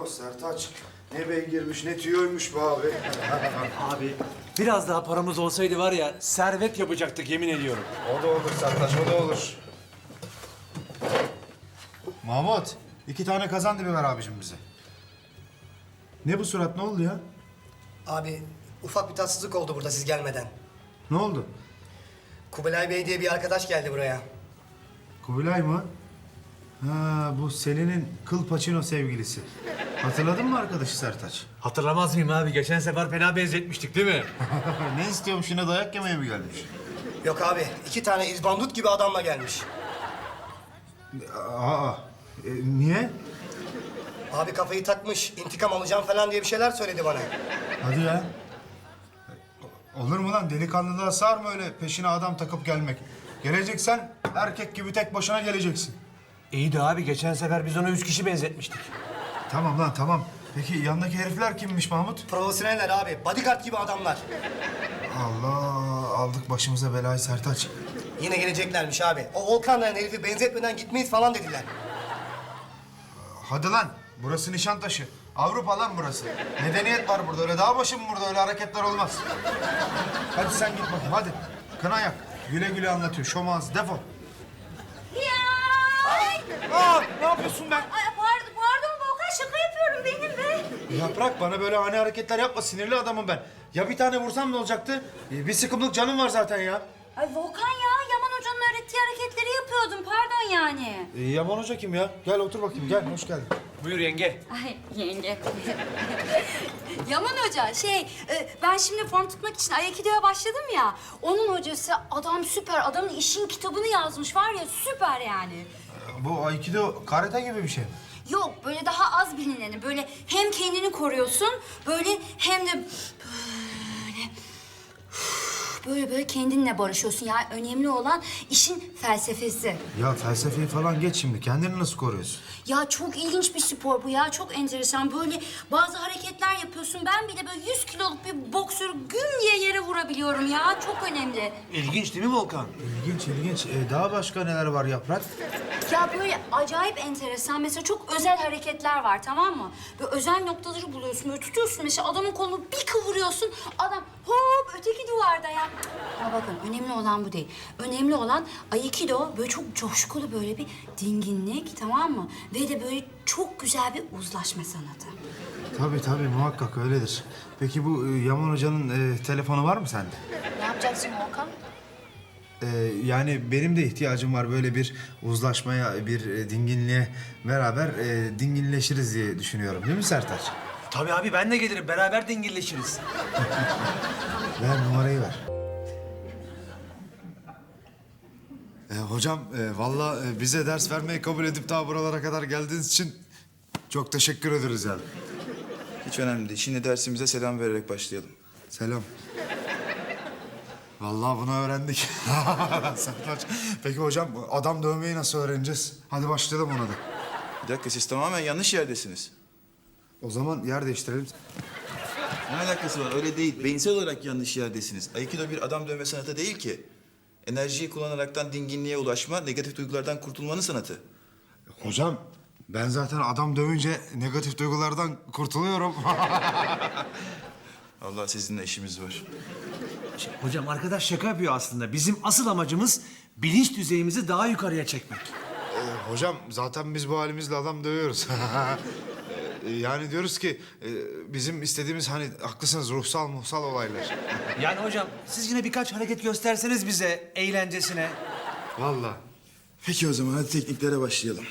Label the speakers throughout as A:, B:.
A: Oh Sertaç, ne beygirmiş, ne tüyoymuş bu abi.
B: Abi biraz daha paramız olsaydı var ya servet yapacaktık yemin ediyorum.
A: O da olur Sertaç, o da olur. Mahmut, 2 tane kazan dibi ver abicim bize. Ne bu surat, ne oldu ya?
C: Abi ufak bir tatsızlık oldu burada siz gelmeden.
A: Ne oldu?
C: Kubilay Bey diye bir arkadaş geldi buraya.
A: Kubilay mı? Ha, bu Selin'in kıl paçino sevgilisi. Hatırladın mı arkadaşı Sertaç?
B: Hatırlamaz mıyım abi? Geçen sefer fena benzetmiştik değil mi?
A: Ne istiyormuş, yine dayak yemeye mi gelmiş?
C: Yok abi 2 tane izbandut gibi adamla gelmiş.
A: Aa, niye?
C: Abi kafayı takmış, intikam alacağım falan diye bir şeyler söyledi bana.
A: Hadi ya. Olur mu lan? Delikanlılığa sığar mı öyle peşine adam takıp gelmek? Geleceksen erkek gibi tek başına geleceksin.
B: İyi de abi geçen sefer biz ona 3 kişi benzetmiştik.
A: Tamam lan tamam. Peki yanındaki herifler kimmiş Mahmut?
C: Profesyoneller abi, bodyguard gibi adamlar.
A: Allah, aldık başımıza belayı Sertaç.
C: Yine geleceklermiş abi. O Volkan denen herifi benzetmeden gitmeyiz falan dediler.
A: Hadi lan. Burası Nişantaşı. Avrupa lan burası. Medeniyet var burada. Öyle dağ başı mı burada? Öyle hareketler olmaz. Hadi sen git bakayım hadi. Kına yak. Güle güle anlatıyor. Şomaz defol. Aa, ne yapıyorsun be?
D: Ay pardon Volkan şaka yapıyorum benim be.
A: Yaprak bana böyle ani hareketler yapma. Sinirli adamım ben. Ya bir tane vursam ne olacaktı? Bir sıkımlık canım var zaten ya.
D: Ay Volkan ya Yaman Hoca'nın öğrettiği hareketleri yapıyordum pardon yani.
A: Yaman Hoca kim ya? Gel otur bakayım. Gel hoş geldin.
B: Buyur yenge.
D: Ay yenge. Yaman Hoca ben şimdi form tutmak için Aikido'ya başladım ya. Onun hocası adam süper adamın işin kitabını yazmış var ya süper yani.
A: Bu Aikido karate gibi bir şey.
D: Yok böyle daha az bilineni böyle hem kendini koruyorsun böyle hem de böyle kendinle barışıyorsun. Yani önemli olan işin felsefesi.
A: Ya felsefeyi falan geç şimdi. Kendini nasıl koruyorsun?
D: Ya çok ilginç bir spor bu ya. Çok enteresan. Böyle bazı hareketler yapıyorsun. Ben bile böyle 100 kiloluk bir boksörü güm diye yere vurabiliyorum ya. Çok önemli.
B: İlginç değil mi Volkan?
A: İlginç ilginç. Daha başka neler var Yaprak?
D: Ya böyle acayip enteresan. Mesela çok özel hareketler var tamam mı? Böyle özel noktaları buluyorsun. Böyle tutuyorsun mesela adamın kolunu bir kıvırıyorsun. Adam hop öteki duvarda ya. Ama bakın önemli olan bu değil. Önemli olan Aikido böyle çok coşkulu böyle bir dinginlik tamam mı? Ve de böyle çok güzel bir uzlaşma sanatı.
A: Tabii muhakkak öyledir. Peki bu Yaman Hoca'nın telefonu var mı sende?
D: Ne yapacaksın Volkan?
A: Yani benim de ihtiyacım var böyle bir uzlaşmaya, bir dinginliğe beraber dinginleşiriz diye düşünüyorum. Değil mi Sertaç?
B: Tabii abi ben de gelirim. Beraber dingilleşiriz.
A: Ver numarayı ver. Hocam vallahi bize ders vermeyi kabul edip daha buralara kadar geldiğiniz için çok teşekkür ederiz yani.
E: Hiç önemli değil. Şimdi dersimize selam vererek başlayalım.
A: Selam. Vallahi bunu öğrendik. Sertaç. Peki hocam adam dövmeyi nasıl öğreneceğiz? Hadi başlayalım ona da.
E: Bir dakika siz tamamen yanlış yerdesiniz.
A: O zaman yer değiştirelim.
E: Ne alakası var? Öyle değil. Beyinsel olarak yanlış yerdesiniz. Aikido bir adam dövme sanatı değil ki. Enerjiyi kullanaraktan dinginliğe ulaşma, negatif duygulardan kurtulmanın sanatı.
A: Hocam ben zaten adam dövünce negatif duygulardan kurtuluyorum.
E: Allah sizinle işimiz var.
B: Hocam arkadaş şaka yapıyor aslında. Bizim asıl amacımız bilinç düzeyimizi daha yukarıya çekmek.
A: Hocam zaten biz bu halimizle adam dövüyoruz. Yani diyoruz ki bizim istediğimiz hani haklısınız ruhsal olaylar.
B: Yani hocam siz yine birkaç hareket gösterseniz bize eğlencesine.
A: Vallahi.
E: Peki o zaman hadi tekniklere başlayalım.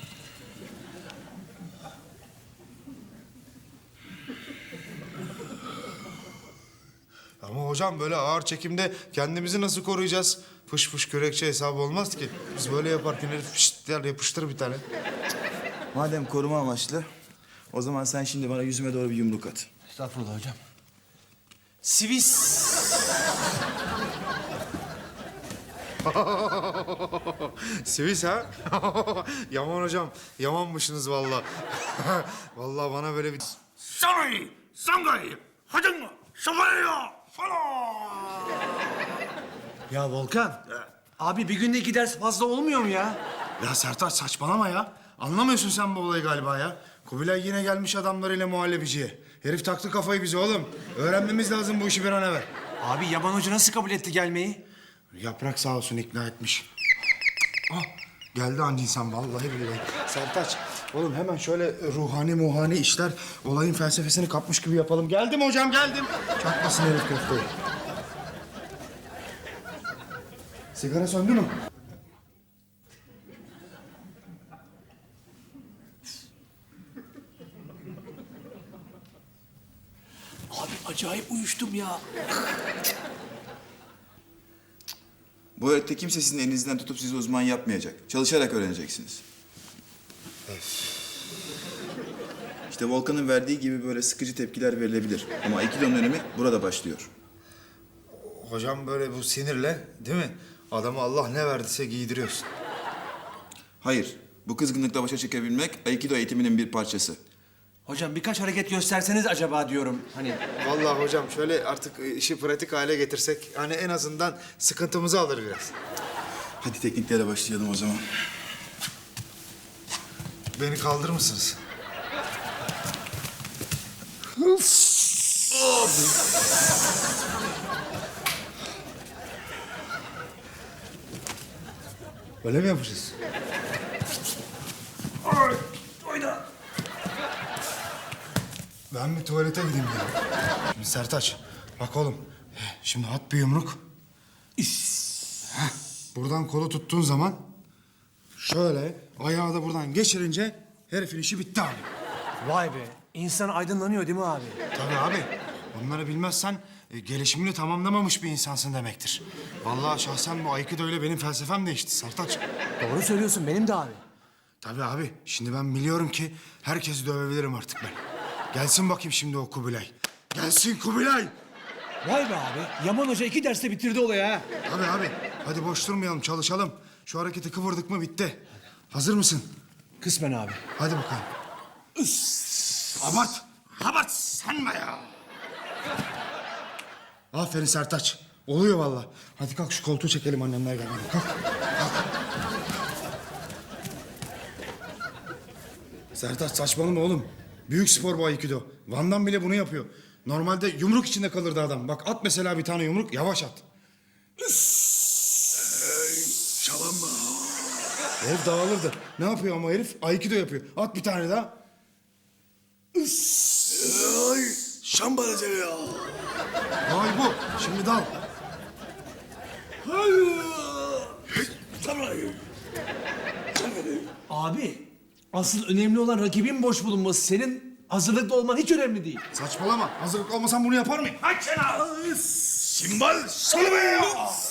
A: Ama hocam böyle ağır çekimde kendimizi nasıl koruyacağız? Fış fış kürekçe hesabı olmaz ki. Biz böyle yaparken herif fışt der yapıştır bir tane.
E: Madem koruma amaçlı, o zaman sen şimdi bana yüzüme doğru bir yumruk at.
B: Estağfurullah hocam. Swiss.
A: Swiss ha? Yaman hocam, yamanmışsınız vallahi. Vallahi bana böyle bir...
F: Sangay, Sangay, Hacın, Şafaya, falan.
B: Ya Volkan. Abi bir günde 2 ders fazla olmuyor mu ya?
A: Ya Sertaç saçmalama ya. Anlamıyorsun sen bu olayı galiba ya. Kubilay yine gelmiş adamlarıyla muhallebiciye. Herif taktı kafayı bize oğlum. Öğrenmemiz lazım bu işi bir an evvel.
B: Abi Yaman Hoca nasıl kabul etti gelmeyi?
A: Yaprak sağ olsun ikna etmiş. Ah, geldi anca insan vallahi billahi. Sertaç, oğlum hemen şöyle ruhani işler, olayın felsefesini kapmış gibi yapalım. Geldim hocam, geldim. Çakmasın herif köfteyi. Sigara söndü mü?
F: Abi acayip uyuştum ya.
E: Bu öğretide kimse sizin elinizden tutup sizi uzman yapmayacak. Çalışarak öğreneceksiniz. İşte Volkan'ın verdiği gibi böyle sıkıcı tepkiler verilebilir. Ama Aikido'nun önemi burada başlıyor.
A: Hocam böyle bu sinirle değil mi? Adamı Allah ne verdiyse giydiriyorsun.
E: Hayır, bu kızgınlıkla başa çıkabilmek Aikido eğitiminin bir parçası.
B: Hocam birkaç hareket gösterseniz acaba diyorum. Hani
A: Vallahi hocam şöyle artık işi pratik hale getirsek hani en azından sıkıntımızı alır biraz.
E: Hadi tekniklere başlayalım o zaman.
A: Beni kaldırır mısınız? Öyle mi yapacağız? Ben bir tuvalete gideyim ya. Şimdi Sertaç, bak oğlum. Şimdi at bir yumruk. Heh, buradan kolu tuttuğun zaman şöyle ayağı da buradan geçirince herifin işi bitti abi.
B: vay be, insan aydınlanıyor değil mi abi?
A: Tabii abi. Bunları bilmezsen gelişimini tamamlamamış bir insansın demektir. Vallahi şahsen bu Aikido ile benim felsefem değişti Sertaç.
B: Doğru söylüyorsun, benim de abi.
A: Tabii abi. Şimdi ben biliyorum ki herkesi dövebilirim artık ben. Gelsin bakayım şimdi o Kubilay. Gelsin Kubilay.
B: Vay be abi, Yaman Hoca 2 derste bitirdi olayı ha.
A: Tabii abi. Hadi boş durmayalım, çalışalım. Şu hareketi kıvırdık mı bitti. Hazır mısın?
B: Kısmen abi.
A: Hadi bakalım. Abart. Abart sen be ya. Aferin Sertaç. Oluyor vallahi. Hadi kalk şu koltuğu çekelim annemler gelmeden. Kalk. Sertaç saçmalama oğlum. Büyük spor bu Aikido. Van Damme bile bunu yapıyor. Normalde yumruk içinde kalırdı adam. Bak at mesela bir tane yumruk, yavaş at.
F: Şalanma.
A: Herif dağılırdı. Ne yapıyor ama herif? Aikido yapıyor. At bir tane daha.
F: Ay, şambala seni ya.
A: Vay bu. Şimdi dal.
B: Abi, asıl önemli olan rakibin boş bulunması. Senin hazırlıklı olman hiç önemli değil.
A: Saçmalama. Hazırlıklı olmasam bunu yapar mıyım?
F: Aç seni. Simbal salıver ya.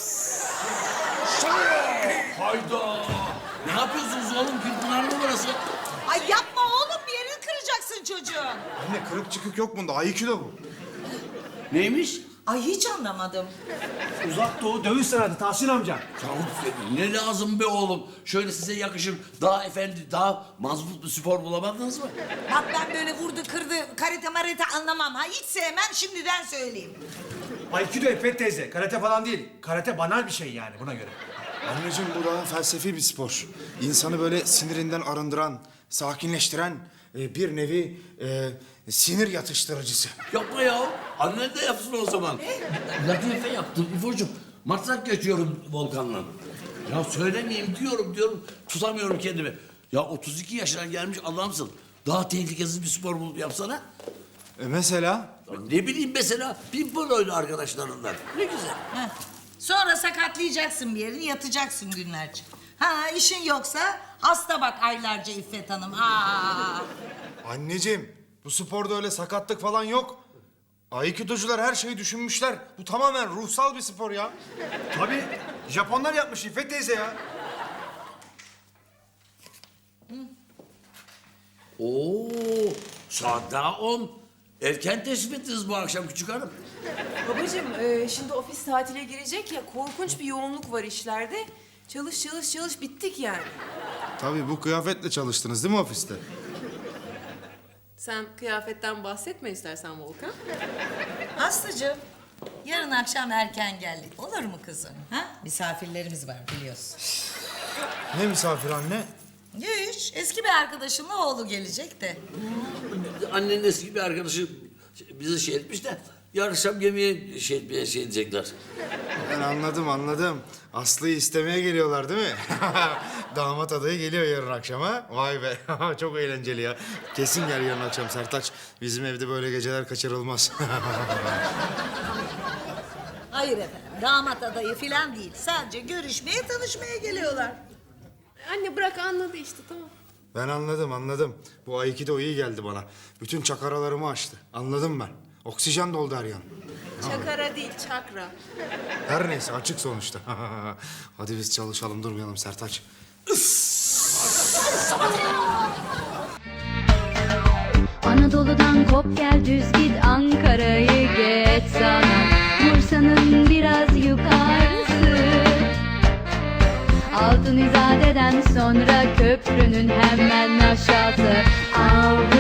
F: Hayda. Ne yapıyorsunuz oğlum? Gülpınar mı burası?
G: Ay yapma oğlum, bir yerini kıracaksın çocuğun.
A: Anne kırık çıkık yok bunda. Aikido bu.
F: Neymiş?
G: Ay hiç anlamadım.
B: Uzak Doğu dövüş sanatı Tahsin amca.
H: Ya ne lazım be oğlum? Şöyle size yakışır, daha efendi, daha mazbut bir spor bulamadınız mı?
G: Bak ben böyle vurdu kırdı karate marate anlamam ha. Hiç sevmem, şimdiden söyleyeyim.
B: Aikido İpek teyze, karate falan değil. Karate banal bir şey yani buna göre.
A: Anneciğim bu daha felsefi bir spor. İnsanı böyle sinirinden arındıran, sakinleştiren bir nevi sinir yatıştırıcısı.
H: Yapma ya. Annen de yapsın o zaman. Latife yaptım İfo'cum. Matrak geçiyorum Volkan'la. Ya söylemeyeyim diyorum. Tutamıyorum kendimi. Ya 32 yaşına gelmiş adamsın. Daha tehlikesiz bir spor bulup yapsana.
A: Mesela?
H: Ya ne bileyim mesela pimpon oyunu arkadaşlarından. Ne güzel.
G: Heh. Sonra sakatlayacaksın bir yerini, yatacaksın günlerce. Ha işin yoksa hasta bak aylarca İffet Hanım. Aa.
A: Anneciğim bu sporda öyle sakatlık falan yok. Aikidocular her şeyi düşünmüşler. Bu tamamen ruhsal bir spor ya. Tabii. Japonlar yapmış İffet teyze ya.
H: Oo, saat daha 10. Erken teşrif ettiniz bu akşam küçük hanım.
I: Babacığım şimdi ofis tatile girecek ya, korkunç bir yoğunluk var işlerde. Çalış bittik yani.
A: Tabii bu kıyafetle çalıştınız değil mi ofiste?
I: Sen kıyafetten bahsetme istersen Volkan.
G: Aslıcığım, yarın akşam erken geldik. Olur mu kızım? Ha? Misafirlerimiz var biliyorsun.
A: Ne misafir anne?
G: Hiç. Eski bir arkadaşımla oğlu gelecek de.
H: Annenin eski bir arkadaşı bizi şey etmiş de yarın akşam yemeğe şey edecekler.
A: Ben anladım. Aslı'yı istemeye geliyorlar değil mi? Damat adayı geliyor yarın akşama. Vay be, çok eğlenceli ya. Kesin gel yarın akşam Sertaç. Bizim evde böyle geceler kaçırılmaz.
G: Hayır efendim, damat adayı falan değil. Sadece görüşmeye, tanışmaya geliyorlar.
I: Anne bırak anladı işte tamam.
A: Ben anladım. Bu Aikido iyi geldi bana. Bütün çakaralarımı açtı. Anladım ben. Oksijen doldu her yan.
I: Çakara değil çakra.
A: Her neyse açık sonuçta. Hadi biz çalışalım, durmayalım Sertaç.
J: Anadolu'dan kop gel düz git Ankara'yı geç sana Bursa'nın biraz yukarısı Altın İzade'den sonra köprünün hemen aşağısı Avrupa